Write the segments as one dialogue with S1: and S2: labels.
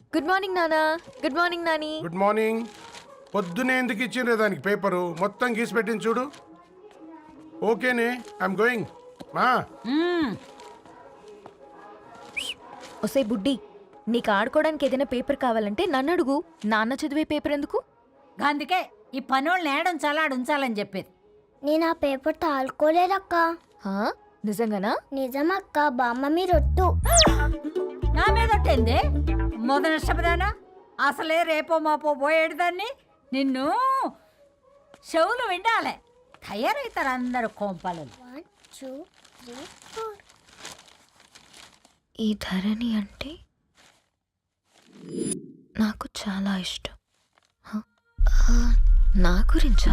S1: Good morning నానా. Good morning నాని.
S2: Good morning. పొద్దునే ఎందుకు ఇచ్చిండ్రే దానికి పేపరు మొత్తం గీసి పెట్టింది చూడు. ఓకేనే, ఐఎమ్ గోయింగ్. మా
S1: ఒసే బుడ్డి, నీకు ఆడుకోవడానికి ఏదైనా పేపర్ కావాలంటే నన్ను అడుగు. నాన్న చదివే పేపర్ ఎందుకు?
S3: అందుకే ఈ పనోళ్ళని ఏడుంచాలా ఉంచాలని చెప్పేది.
S4: నేను ఆ పేపర్ తాలుకోలేదక్క.
S1: హా? నిజంగానా?
S4: నిజమక్క, బామ్మ మీరొట్టు.
S3: నా మీద ఒట్టేంది మొదటి నష్టపదానా? అసలే రేపో మాపో పోయేడు దాన్ని. నిన్ను చెవులు వినాలే, తయారవుతారు అందరు కోంపాలు.
S4: 1 2 3 4.
S1: ఈ ధరణి అంటే నాకు చాలా ఇష్టం. హ? నా గురించా?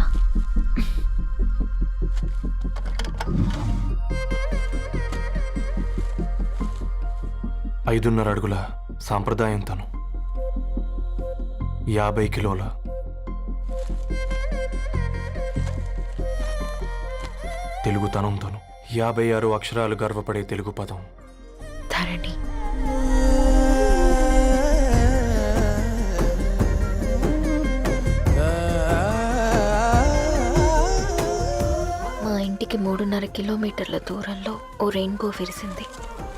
S5: 5.5 అడుగుల సాంప్రదాయం తను, 50 కిలోల తెలుగుతనం తను, 56 అక్షరాలు గర్వపడే తెలుగు పదం
S1: ధరణి. మా ఇంటికి 3.5 కిలోమీటర్ల దూరంలో ఓ రెయిన్బో విరిసింది.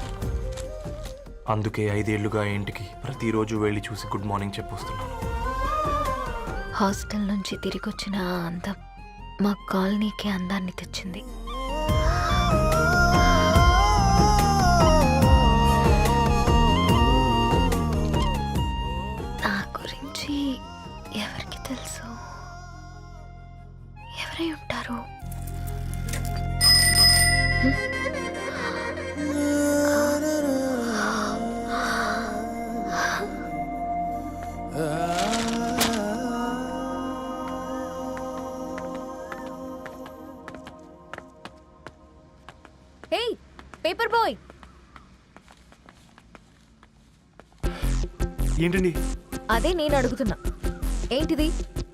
S5: అందుకే 5 ఏళ్లుగా ఇంటికి ప్రతిరోజు వెళ్ళి చూసి గుడ్ మార్నింగ్ చెప్పొస్తున్నాను.
S1: హాస్టల్ నుంచి తిరిగొచ్చిన ఆ అందం మా కాలనీకి అందాన్ని తెచ్చింది. నా గురించి ఎవరికి తెలుసు? ఎవరై ఉంటారు? ఏయ్ పేపర్ బాయ్,
S5: ఏంటండి?
S1: అదే నేను అడుగుతున్నా, ఏంటిది?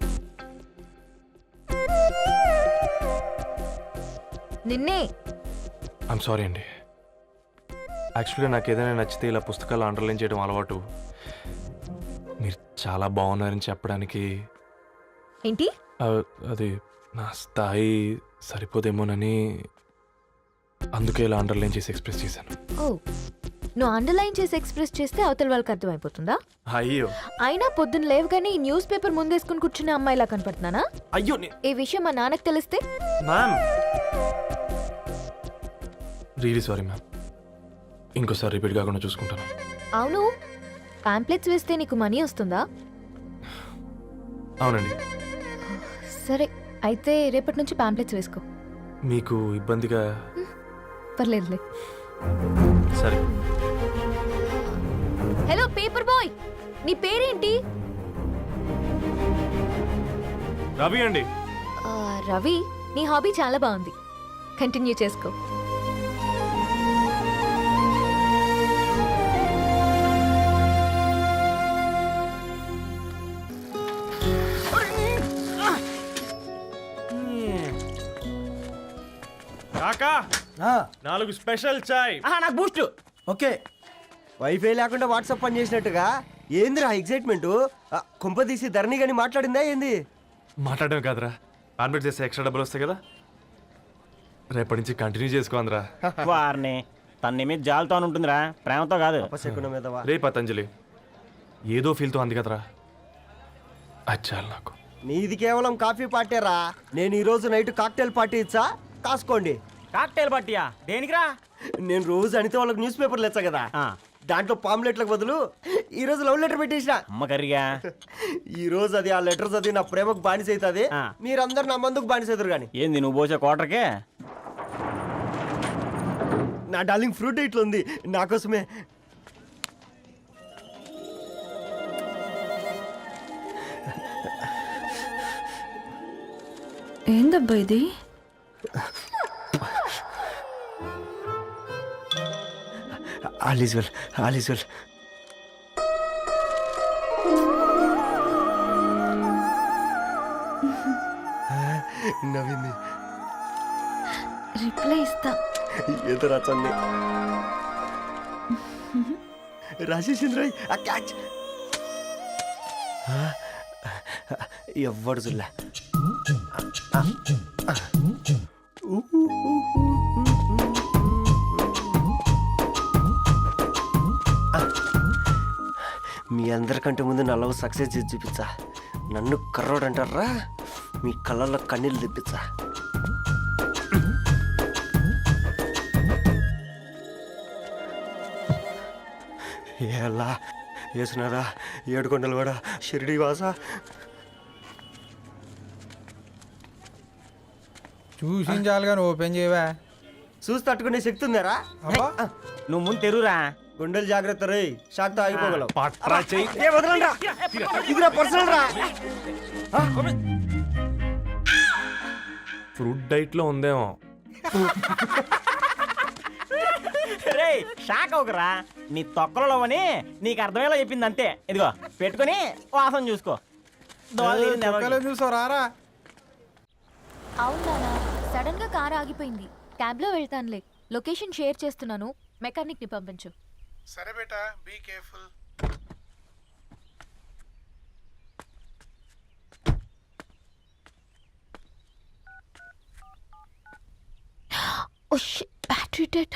S1: నిన్నే.
S5: ఐమ్ సారీ అండి. యాక్చువల్గా నాకు ఏదైనా నచ్చితే ఇలా పుస్తకాలు అండర్లైన్ చేయడం అలవాటు. మీరు చాలా బాగున్నారని చెప్పడానికి
S1: ఏంటి?
S5: అది నా స్థాయి సరిపోదేమోనని అందుకే ఇలా అండర్లైన్ చేసి ఎక్స్ప్రెస్ చేశాను.
S1: ఓ, నువ్వు అండర్లైన్ చేసి ఎక్స్ప్రెస్ చేస్తే అవతల వాళ్ళకి అర్థమైపోతుందా?
S5: అయ్యో,
S1: అయినా పొద్దున్న లేవగానే ఈ న్యూస్ పేపర్ ముందేసుకుని కూర్చున్న అమ్మాయిలా కనపడుతున్నానా?
S5: అయ్యో
S1: ఈ విషయం మా నాన్నకు తెలిస్తే?
S5: Ma'am, really sorry ma'am. ఇంకోసారి రిపీట్ కాకుండా చూసుకుంటాను.
S1: అవును, పాంప్లెట్స్ వేస్తే నీకు మనీ వస్తుందా?
S5: అవునండి.
S1: సరే, అయితే రేపటి నుంచి పాంప్లెట్స్ వేసుకో.
S5: మీకు ఇబ్బందిగా?
S1: పర్లేదులే.
S5: సరే.
S1: హలో పేపర్ బాయ్, నీ పేరేంటి?
S5: రవి అండి.
S1: రవి, నీ హాబీ చాలా బాగుంది, కంటిన్యూ చేసుకో.
S5: కాకా, 4 స్పెషల్ చాయ్.
S6: నాకు బూస్ట్. ఓకే, వైఫై లేకుండా వాట్సాప్ పని చేసినట్టుగా ఏందిరా ఎగ్జైట్మెంట్? కుంప తీసి ధరణి గాని మాట్లాడిందా ఏంది?
S5: మాట్లాడడం కాదురా, కాన్వర్ట్ చేస్తే ఎక్స్ట్రా డబ్బులు వస్తాయి కదా, రేపటి నుంచి కంటిన్యూ చేసుకోందిరా.
S7: వారిని తన మీద జాలతో ఉంటుందిరా, ప్రేమతో కాదు.
S5: రే పతంజలి, ఏదో ఫీల్తో అంది కదరా, అది చాలు నాకు.
S6: నీది కేవలం కాఫీ పార్టీరా. నేను ఈ రోజు నైట్ కాక్టైల్ పార్టీ ఇచ్చా, కాసుకోండి.
S7: కాక్టైల్ పార్టీయా? దేనికిరా?
S6: నేను రోజు అనితే వాళ్ళకి న్యూస్ పేపర్లు ఇచ్చా కదా, దాంట్లో పాంప్లెట్లకు బదులు ఈ రోజు లవ్ లెటర్ పెట్టేసిన.
S7: అమ్మ కర్రీగా.
S6: ఈ రోజు అది ఆ లెటర్ చదివి నా ప్రేమకు బానిస అవుతుంది, మీరందరు నా మందుకు బానిస అవుతారు. కానీ
S7: ఏంది నువ్వు పోసే కోటర్కే?
S6: నా డార్లింగ్ ఫ్రూట్ ఇట్లా ఉంది నా కోసమే.
S8: ఏందబ్బా ఇది?
S6: All is well, all is well. నవ్వింది.
S1: రిప్లై ఇస్తా.
S6: ఏదో రాచండి. రాజేసింద్ర క్యాచ్. ఎవ్వడు జుల్లా మీ అందరికంటే ముందు నా లవ్ సక్సెస్ చేసి చూపించా. నన్ను కర్రోడు అంటారా, మీ కళ్ళల్లో కన్నీళ్ళు తెప్పించా. ఎలా వేసినారా ఏడుకొండలు కూడా షిరిడి వాస.
S8: చూసించాలి కానీ ఓపెన్ చేయవా?
S6: చూసి తట్టుకునే శక్తి ఉందారా?
S7: నువ్వు ముందు తెరురా.
S6: గుండెలు జాగ్రత్త రే, షాక్తో ఆగిపోగలవు.
S5: పట్రా చెయ్యి.
S6: ఏ వదలండి రా. ఇది నా పర్సనల్ రా.
S5: ఫ్రూట్ డైట్లో ఉందేమో.
S7: రే షాక్ అవకరా, నీ తొక్కలలో అని నీకు అర్థమయ్యేలా చెప్పింది అంతే. ఇదిగో పెట్టుకొని వాసన చూసుకో. దోవలో నీళ్ళు ఎవరికి?
S8: చూసారా?
S1: అవునా, సడన్ గా కార్ ఆగిపోయింది. క్యాబ్ లో వెళ్తానులే. లొకేషన్ షేర్ చేస్తున్నాను, మెకానిక్ ని పంపించు.
S2: సరే బేటా, be careful.
S1: Oh shit, battery dead.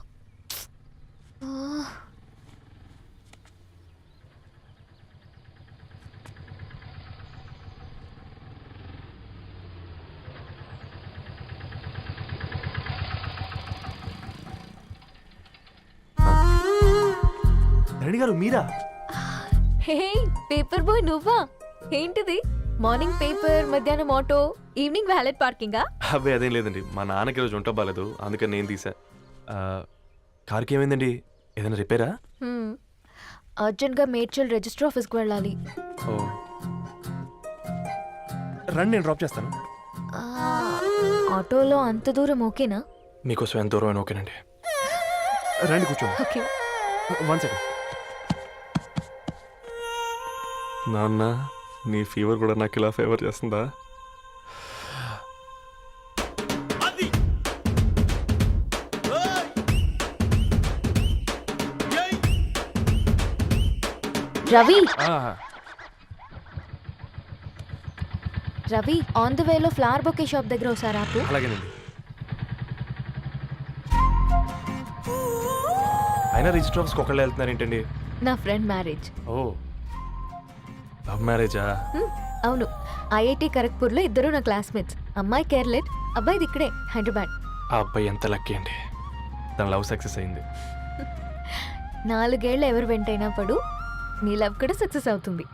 S5: Dharani గారు మీరా?
S1: హే పేపర్ బాయ్, నువ్వా? ఏంటిది? మార్నింగ్ పేపర్, మధ్యాహ్నం ఆటో, ఈవినింగ్ వ్యాలెట్ పార్కింగా?
S5: అబ్బే అదేం లేదండి, మా నాన్నకి రోజు ఉంట బాగాలేదు, అందుకని నేను తీసా. కార్కి ఏమైందండి? ఏదైనా రిపేరా?
S1: అర్జెంట్ గా మేడ్చల్ రిజిస్టర్ ఆఫీస్కి వెళ్ళాలి.
S5: ఓ రండి, నేను డ్రాప్ చేస్తాను.
S1: ఆ, ఆటోలో అంత దూరం ఓకేనా?
S5: మీకోసం ఎంత దూరం అయినా ఓకేనండి. రండి కూర్చోండి.
S1: ఓకే.
S5: 1 సెకండ్. నాన్న, నీ ఫీవర్ కూడా నాకు ఇలా ఫేవర్ చేస్తుందా?
S1: రవి,
S5: ఆ,
S1: రవి ఆన్ ద వేలో ఫ్లవర్ బొకే షాప్ దగ్గర ఒకసారి ఆపు.
S5: అలాగేనండి. అయినా రిజిస్టర్ ఆఫీస్కి ఒకళ్ళు వెళ్తున్నారు ఏంటండి?
S1: నా ఫ్రెండ్ మ్యారేజ్.
S5: ఓ, లవ్ మ్యారేజా?
S1: అవును, ఐఐటి ఖరగ్పూర్లో ఇద్దరు నా క్లాస్మేట్స్. అమ్మాయి కేర్లెట్, అబ్బాయిది ఇక్కడే హైదరాబాద్.
S5: ఆ అబ్బాయి ఎంత లక్కీ అండి, తన లవ్ సక్సెస్ అయింది.
S1: 4 ఏళ్ళు ఎవరు వెంటైనా పడు, నీ లవ్ కూడా సక్సెస్ అవుతుంది.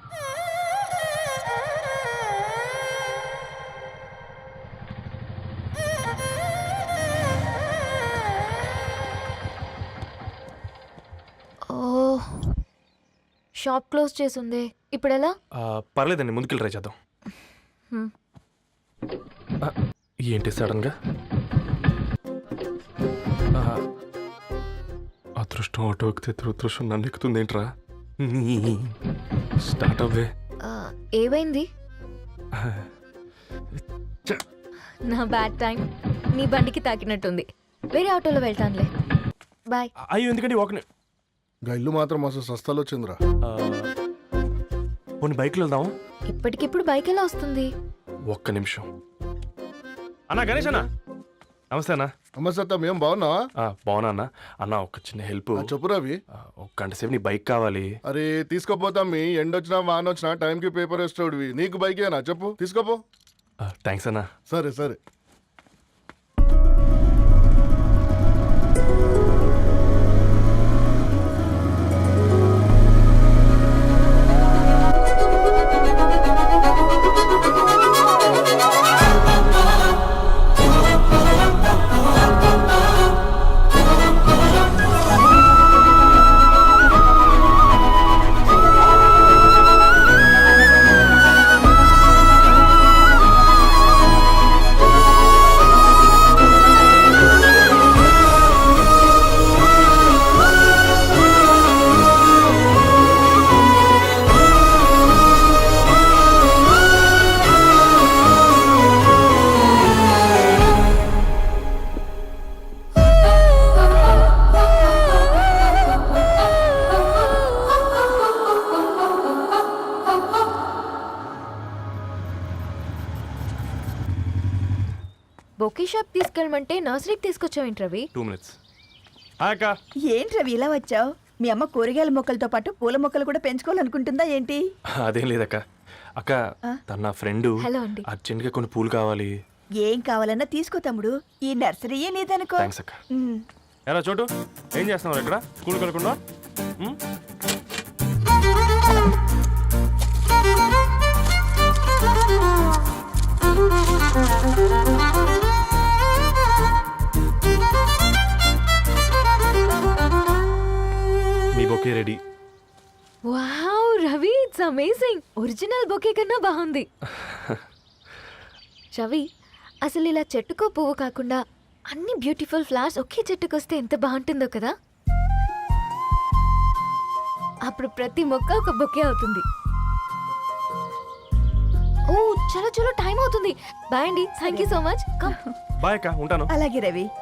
S1: ఓ, షాప్ క్లోజ్ చేసిందే, ఇప్పుడు ఎలా?
S5: పర్లేదండి, ముందుకెళ్ళి ట్రై చేద్దాం.
S1: హ్మ్.
S5: ఆ, ఏంటి సడన్గా? అదృష్టం ఆటో ఎక్కితే దురదృష్టం నన్ను ఎక్కుతుంది ఏంట్రా? స్టార్ట్ అవ్వే.
S1: ఏమైంది? నా బ్యాడ్ టైం నీ బండికి తాకినట్టుంది. వేరే ఆటోలో వెళ్తానులే, బాయ్.
S5: అయ్యో ఎందుకండి ఒక
S2: గా ఇల్లు మాత్రం మస్తు సస్తాలు వచ్చిందిరా.
S5: కొన్ని బైక్లో వెళ్దాం.
S1: ఇప్పటికిప్పుడు బైక్ ఎలా వస్తుంది?
S5: ఒక్క నిమిషం. అన్నా గణేష్ అన్న, నమస్తే అన్న.
S2: అమ్మ సత్తం, ఏం బాగున్నావా?
S5: బాగున్నా అన్న. అన్న ఒక చిన్న హెల్ప్.
S2: చెప్పు రవి.
S5: ఒక గంట సేపు నీ బైక్ కావాలి.
S2: అరే తీసుకోపోతాం, మీ ఎండొచ్చినా వాన వచ్చినా టైంకి పేపర్ వేస్తాడువి. నీకు బైకేనా? చెప్పు, తీసుకోపో.
S5: థ్యాంక్స్ అన్న.
S2: సరే సరే.
S1: పార్క్ తీసుకెళ్ళమంటే నర్సరీకి తీసుకొచ్చావేంటి రవి
S5: 2 minutes. హాయ్ అక్క.
S9: ఏంటి రవి ఇలా వచ్చావు మీ అమ్మ కూరగాయల మొక్కలతో పాటు పూల మొక్కలు కూడా పెంచుకోవాలనుకుంటుందా ఏంటి
S5: అదేం లేదక్క. అక్క తన నా ఫ్రెండ్
S1: హలో అండి.
S5: అర్జెంట్గా కొన్ని పూలు కావాలి.
S9: ఏం కావాలన్నా తీసుకో తమ్ముడు ఈ నర్సరీయే నీదనుకో
S5: థ్యాంక్స్ అక్క. ఎలా చోటు ఏం చేస్తున్నావు ఇక్కడ స్కూల్కి వెళ్ళకుండా? మీ bouquet ready.
S1: Wow Ravi it's amazing. Original bouquet కన్నా బాగుంది. రవి అసలు ఇలా చెట్టుకో పువ్వు కాకుండా అన్ని బ్యూటిఫుల్ ఫ్లవర్స్ ఒకే చెట్టుకు వస్తే ఎంత బాగుంటుందో కదా. అప్పుడు ప్రతి మొక్క ఒక బొకే అవుతుంది. ఓ చలో చలో టైం అవుతుంది. బాయ్ అండి. Thank you so much.
S5: Bye అక్క, ఉంటాను.
S9: అలాగే రవి